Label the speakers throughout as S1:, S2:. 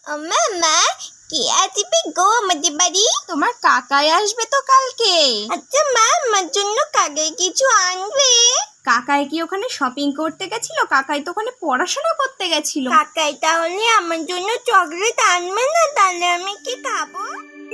S1: মা, কে আসবে গো আমাদের বাড়ি?
S2: তোমার কাকাই আসবে তো কালকে।
S1: আচ্ছা মা, আমার জন্য কাকাই কিছু আনবে?
S2: কাকাই কি ওখানে শপিং করতে গেছিল? কাকাই তো ওখানে পড়াশোনা করতে গেছিল।
S1: কাকাই তাহলে আমার জন্য চকলেট আনবে না? তাহলে আমি কি খাবো?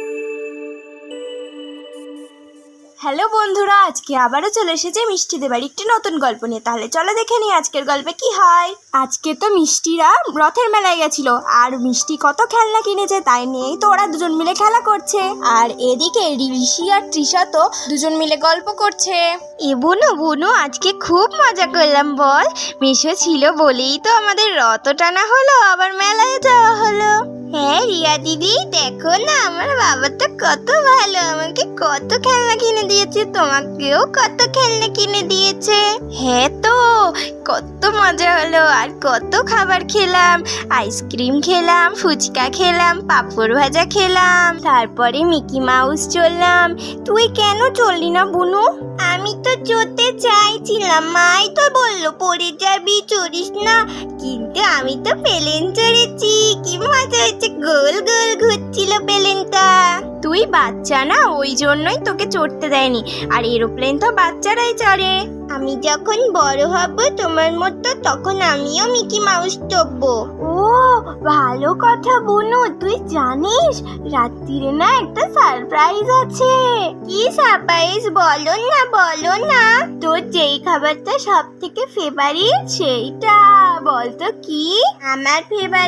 S2: হ্যালো বন্ধুরা, আজকে আবারও চলে এসেছে মিষ্টিদের বাড়ি একটি নতুন গল্প নিয়ে। তাহলে চলো দেখে নিই আজকের গল্পে কি হয়। আজকে তো মিষ্টিরা রথের মেলায় গেছিল, আর মিষ্টি কত খেলনা কিনেছে তাই নিয়েই তো ওরা দুজন মিলে খেলা করছে। আর এদিকে ঋষি আর তৃষা তো দুজন মিলে গল্প করছে।
S1: এ বুনু আজকে খুব মজা করলাম বল। মিশো ছিল বলেই তো আমাদের রথ টানা হলো, আবার মেলায় যাওয়া হলো। হ্যাঁ রিয়া দিদি, দেখো না আমার বাবা তো কত ভালো, আমাকে কত খেলনা কিনে দিয়েছে, তোমাকেও কত খেলনা কিনে দিয়েছে। হ্যাঁ তো, কত মজা হলো, আর কত খাবার খেলাম, আইসক্রিম খেলাম, ফুচকা খেলাম, পাঁপড় ভাজা খেলাম, তারপরে মিকি মাউস চললাম। তুই কেন চললি না বুনু? আমি তো চড়তে চাইছিলাম, মাই তো বললো পড়ে যাবি, চড়িস না, কিন্তু আমি তো প্লেন চড়েছি, কি মজা হয়েছে, গোল গোল ঘুরছিল প্লেনটা।
S2: তুই বাচ্চা না, ওই জন্যই তোকে চড়তে দেয়নি, আর এরোপ্লেন তো বাচ্চারাই চড়ে।
S1: আমি যখন বড় হব তোমার মতো, তখন আমিও মিকি মাউস চড়বো।
S2: ও ভালো কথা বুনু, তুই জানিস রাত্রিরে না একটা সারপ্রাইজ আছে।
S1: কি সারপ্রাইজ? বলো না।
S2: তোর যেই খাবারটা সব থেকে ফেভারিট সেইটা বলতো কি?
S1: আমার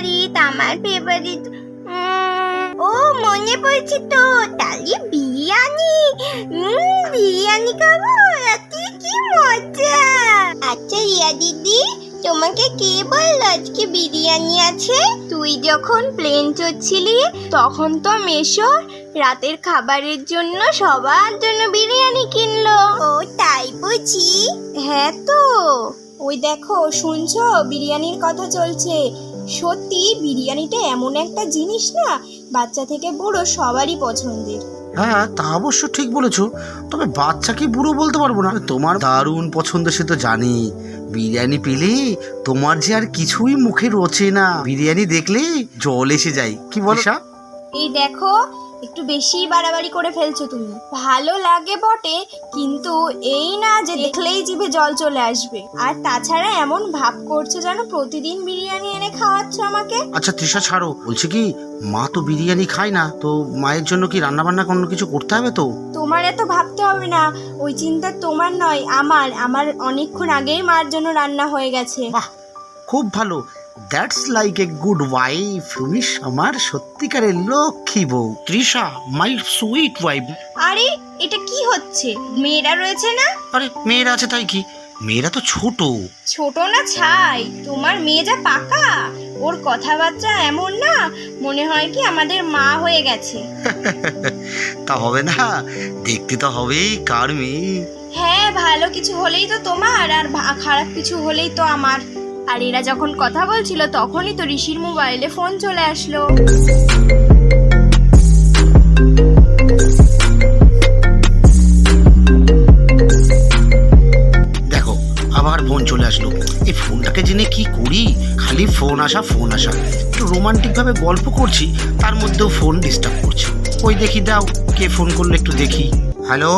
S1: ফেভারিট ও মনে পড়ছে তো, তাহলে বিরিয়ানি। বিরিয়ানি খাবো রাতে, কি মজা। আচ্ছা রিয়া দিদি, তোমাকে কে বললো আজকে বিরিয়ানি আছে?
S2: তুই যখন প্লেন চড়ছিলি তখন তো মেশো রাতের খাবারের জন্য সবার জন্য বিরিয়ানি কিনলো।
S1: ও তাই বুঝি?
S2: হ্যাঁ তো, ওই দেখো শুনছো বিরিয়ানির কথা চলছে। সত্যি বিরিয়ানিটা এমন একটা জিনিস না, বাচ্চা থেকে বুড়ো সবারই পছন্দের।
S3: হ্যাঁ তা অবশ্য ঠিক বলেছো, তবে বাচ্চাকে বুড়ো বলতে পারবো না। তোমার দারুণ পছন্দ সে তো জানি, বিরিয়ানি পেলে তোমার যে আর কিছুই মুখে রোচে না, বিরিয়ানি দেখলে জল এসে যায়, কি বলছা?
S2: এই দেখো একটু বেশি বাড়াবাড়ি করে ফেলছো তুমি। ভালো লাগে বটে, কিন্তু এই না যে দেখলেই জিভে জল চলে আসবে। আর তাছাড়া এমন ভাব করছো যেন প্রতিদিন বিরিয়ানি এনে খাওয়াচ্ছ আমাকে।
S3: আচ্ছা তৃষা ছাড়ো, বলছি কি মা তো বিরিয়ানি খায় না, তো মায়ের জন্য কি রান্না বান্না কোনো কিছু করতে হবে? তো
S2: তোমার এত ভাবতে হবে না, ওই চিন্তা তোমার নয় আমার অনেকক্ষণ আগেই মার জন্য রান্না হয়ে গেছে।
S3: বাহ, খুব ভালো, that's like a good wife. তুমি আমার সত্যিকারের লক্ষ্মী বউ, তৃষা মাই সুইট ওয়াইফ।
S2: আরে এটা কি হচ্ছে? মেয়েরা রয়েছে না?
S3: আরে মেয়েরা আছে তাই কি, মেয়েরা তো ছোট।
S2: ছোট না ছাই, তোমার মেয়ে যা পাকা, ওর কথাবার্তা এমন না, মনে হয় কি আমাদের মা হয়ে গেছে।
S3: তা হবে না, দেখতে তো হবেই কার মেয়ে।
S2: হ্যাঁ, ভালো কিছু হলেই তো তোমার, আর খারাপ কিছু হলেই তো আমার। আর এরা যখন কথা বলছিল তখনই তো ঋষির মোবাইলে ফোন চলে আসলো।
S3: দেখো আবার ফোন চলে আসলো, এই ফোনটাকে জেনে কি করি, খালি ফোন আসা। একটু রোমান্টিক ভাবে গল্প করছি, তার মধ্যেও ফোন ডিস্টার্ব করছে। ওই দেখি দাও কে ফোন করলো, একটু দেখি। হ্যালো,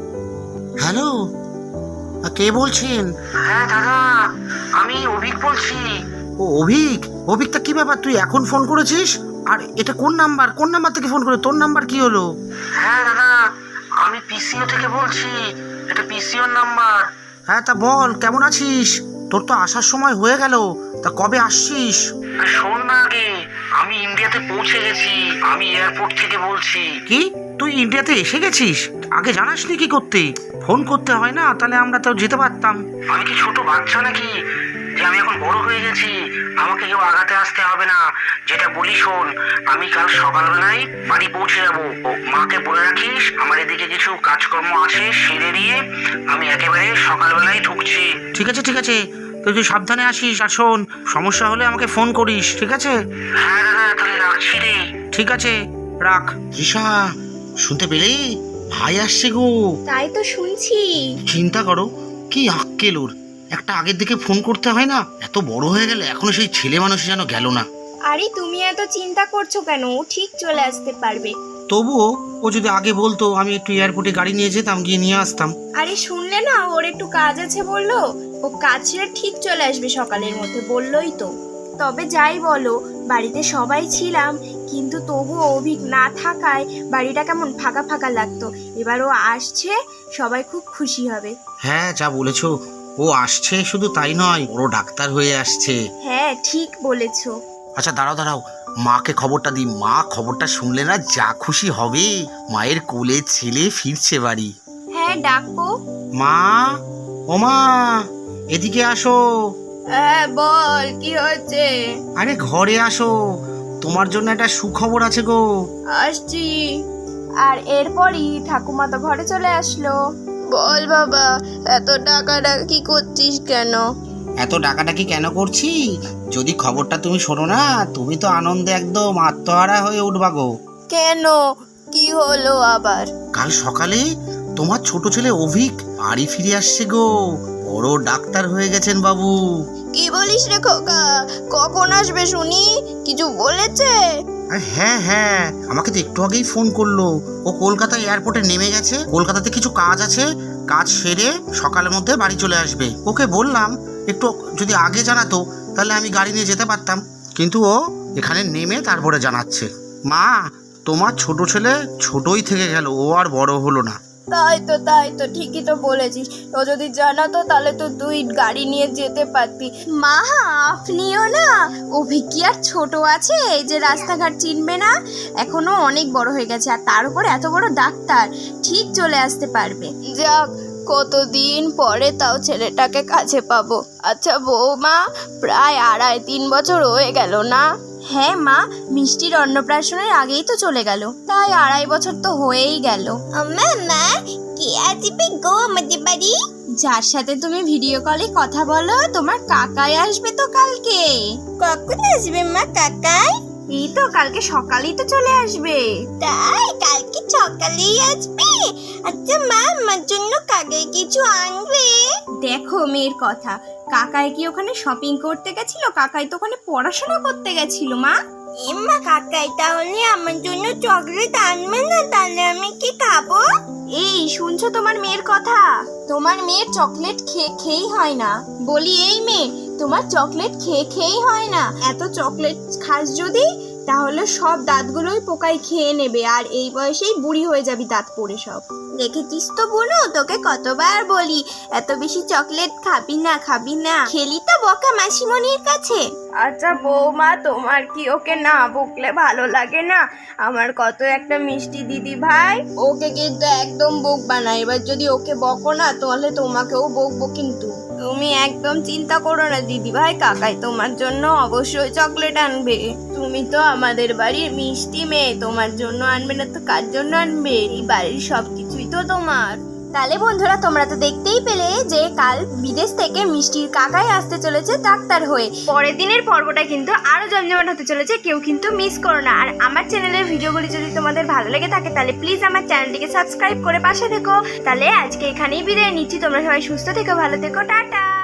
S3: কে বলছেন? হ্যাঁ দাদা, আমি অভিক বলছি। ও অভিক, তা কি ব্যাপার, তুই এখন ফোন করেছিস? আর এটা কোন নাম্বার থেকে ফোন করে, তোর নাম্বার কি হলো?
S4: হ্যাঁ দাদা, আমি পিসিও থেকে বলছি, এটা পিসিওর নাম্বার।
S3: হ্যাঁ তা বল, কেমন আছিস? তোর তো আসার সময় হয়ে গেল, তা কবে আসছিস?
S4: শোন না আগে, আমি ইন্ডিয়াতে পৌঁছে গেছি, আমি এয়ারপোর্ট থেকে বলছি।
S3: কি, তুই ইন্ডিয়াতে এসে গেছিস? আগে জানাসনি কি করতে? ফোন করতে হয় না, তাহলে আমরা তো যেতে পারতাম।
S4: আমি কি ছোট বাচ্চা নাকি যে আমি এখন বড় হয়ে গেছি, আমাকে কেউ আগাতে আসতে হবে না। যেটা বলি শোন, আমি কাল সকালবেলায় বাড়ি পৌঁছে যাবো। মাকে বলে রাখিস আমার এদিকে কিছু কাজকর্ম আছে, সেরে দিয়ে আমি একেবারে সকালবেলায় ঢুকছি।
S3: ঠিক আছে, তুই সাবধানে আসিস, আর শোন সমস্যা হলে আমাকে ফোন করিস, ঠিক আছে?
S4: হ্যাঁ দাদা, তাহলে রাখছি রে।
S3: ঠিক আছে, রাখ। তৃষা, শুনতে পেলে? ভাই আসছে গো।
S2: তাই তো শুনছি।
S3: চিন্তা করো কি আক্কেল ওর, একটা আগের দিকে ফোন করতে হয় না, এত বড় হয়ে গেলে এখনো সেই ছেলে মানুষ যেন গেল না।
S2: আরে তুমি এত চিন্তা করছো কেন? ও ঠিক চলে আসতে পারবে।
S3: তবুও ও যদি আগে বলতো আমি একটু এয়ারপোর্টে গাড়ি নিয়ে যেতাম, গিয়ে নিয়ে আসতাম।
S2: আরে শুনলে না, ওর একটু কাজ আছে বললো। ও কাজ ছেড়ে ঠিক চলে আসবে সকালের মধ্যে, বললোই তো। তবে যাই বলো, বাড়িতে সবাই ছিলাম, কিন্তু তবুও অভিক না থাকায় বাড়িটা কেমন ফাঁকা ফাঁকা লাগতো। এবার ও আসছে, সবাই খুব খুশি হবে।
S3: হ্যাঁ, যা বলেছো, ও আসছে শুধু তাই নয়, বড় ডাক্তার হয়ে আসছে।
S2: হ্যাঁ ঠিক বলেছো।
S3: আচ্ছা দাঁড়াও দাঁড়াও, মাকে খবরটা দিই। মা খবরটা শুনলে না যা খুশি হবে। মায়ের কোলে ছেলে ফিরছে বাড়ি।
S2: হ্যাঁ ডাকো।
S3: মা, ও মা, এদিকে আসো।
S2: হ্যাঁ বল, কি হচ্ছে?
S3: আরে ঘরে আসো, তোমার জন্য একটা সুখবর আছে গো।
S2: আসছি। আর এরপরই ঠাকুমা তো ঘরে চলে আসলো।
S1: বল বাবা, এত ডাকাডাকি করছিস কেন?
S3: এত ডাকাডাকি কেন করছি? যদি খবরটা তুমি শোনো না, তুমি তো আনন্দে একদম আত্মহারা হয়ে উঠবা গো।
S1: কেন, কি হলো আবার?
S3: কাল সকালে তোমার ছোট ছেলে অভিক বাড়ি ফিরে আসছে গো। বড় ডাক্তার হয়ে গেছেন বাবু।
S1: কি বলিস রে খোকা? কখন আসবে শুনি? কিছু বলেছে?
S3: আরে হ্যাঁ হ্যাঁ, আমাকে তো একটু আগেই ফোন করলো। ও কলকাতা এয়ারপোর্টে নেমে গেছে, কলকাতাতে কিছু কাজ আছে, কাজ সেরে সকালের মধ্যে বাড়ি চলে আসবে। ওকে বললাম একটু যদি আগে জানাতো তাহলে আমি গাড়ি নিয়ে যেতে পারতাম, কিন্তু ও এখানে নেমে তারপরে জানাচ্ছে। মা, তোমার ছোট ছেলে ছোটই থেকে গেল, ও আর বড় হলো না।
S2: তাই তো ঠিকই তো বলেছিস। ও যদি জানাতো তাহলে তো তুই গাড়ি নিয়ে যেতে পারতি।
S1: মা, আপনিও না, অভিক কি আর ছোট আছে এই যে রাস্তাঘাট চিনবে না? এখনো অনেক বড় হয়ে গেছে, আর তার উপর এত বড় ডাক্তার, ঠিক চলে আসতে পারবে। যাক, কতদিন পরে তাও ছেলেটাকে কাছে পাবো। আচ্ছা বৌমা, প্রায় 2.5-3 বছর হয়ে গেল না? হ্যাঁ মা, মিষ্টির অন্নপ্রাশনের আগেই তো চলে গেল, তাই 2.5 বছর তো হয়েই গেল। মা, কে আসবে গো আমাদের বাড়ি? যার সাথে তুমি ভিডিও কলে কথা বলো, তোমার কাকাই আসবে তো কালকে। কখন আসবে মা কাকাই?
S2: এই তো কালকে সকালেই তো চলে আসবে।
S1: তাই, কালকে সকালেই আসবে? আচ্ছা মা, আমার জন্য কাকাই কিছু আনবে?
S2: দেখো মেয়ের কথা, কাকাই কি ওখানে শপিং করতে গেছিল? কাকাই তো ওখানে পড়াশোনা করতে গেছিল মা।
S1: এম্মা, কাকাই তাহলে আমার জন্য চকলেট আনবে না? তাহলে আমি কি খাবো?
S2: এই শুনছো তোমার মেয়ের কথা? তোমার মেয়ের চকলেট খেয়েই হয় না। বলি এই মেয়ে, তোমার চকলেট খেয়েই হয় না। এত চকলেট খাস যদি, তাহলে সব দাঁতগুলোই পোকায় খেয়ে নেবে, আর এই বয়সেই বুড়ি হয়ে যাবি দাঁত পড়ে সব।
S1: দেখেছিস তো বুনু, তোকে কতবার বলি এত বেশি চকলেট খাবি না। খেলি তো বকা মাসিমণির কাছে।
S2: আচ্ছা বৌমা, তোমার কি ওকে না বকলে ভালো লাগে না? আমার কত একটা মিষ্টি দিদি ভাই, ওকে কিন্তু একদম বকবা না। এবার যদি ওকে বকো না, তাহলে তোমাকেও বকবো কিন্তু। তুমি একদম চিন্তা করো না দিদি ভাই, কাকাই তোমার জন্য অবশ্যই চকলেট আনবে। তুমি তো আমাদের বাড়ির মিষ্টি মেয়ে, তোমার জন্য আনবে না তো কার জন্য আনবে? এই বাড়ির সবকিছুই তো তোমার।
S1: তাহলে বন্ধুরা, তোমরা তো দেখতেই পেলে যে কাল বিদেশ থেকে মিষ্টির কাকাই আসতে চলেছে ডাক্তার হয়ে।
S2: পরের দিনের পর্বটা কিন্তু আরো জমজমাট হতে চলেছে, কেউ কিন্তু মিস করো না। আর আমার চ্যানেলের ভিডিওগুলি যদি তোমাদের ভালো লেগে থাকে, তাহলে প্লিজ আমার চ্যানেলটিকে সাবস্ক্রাইব করে পাশে থেকো। তাহলে আজকে এখানেই বিদায় নিচ্ছি। তোমরা সবাই সুস্থ থেকো, ভালো থেকো, টাটা।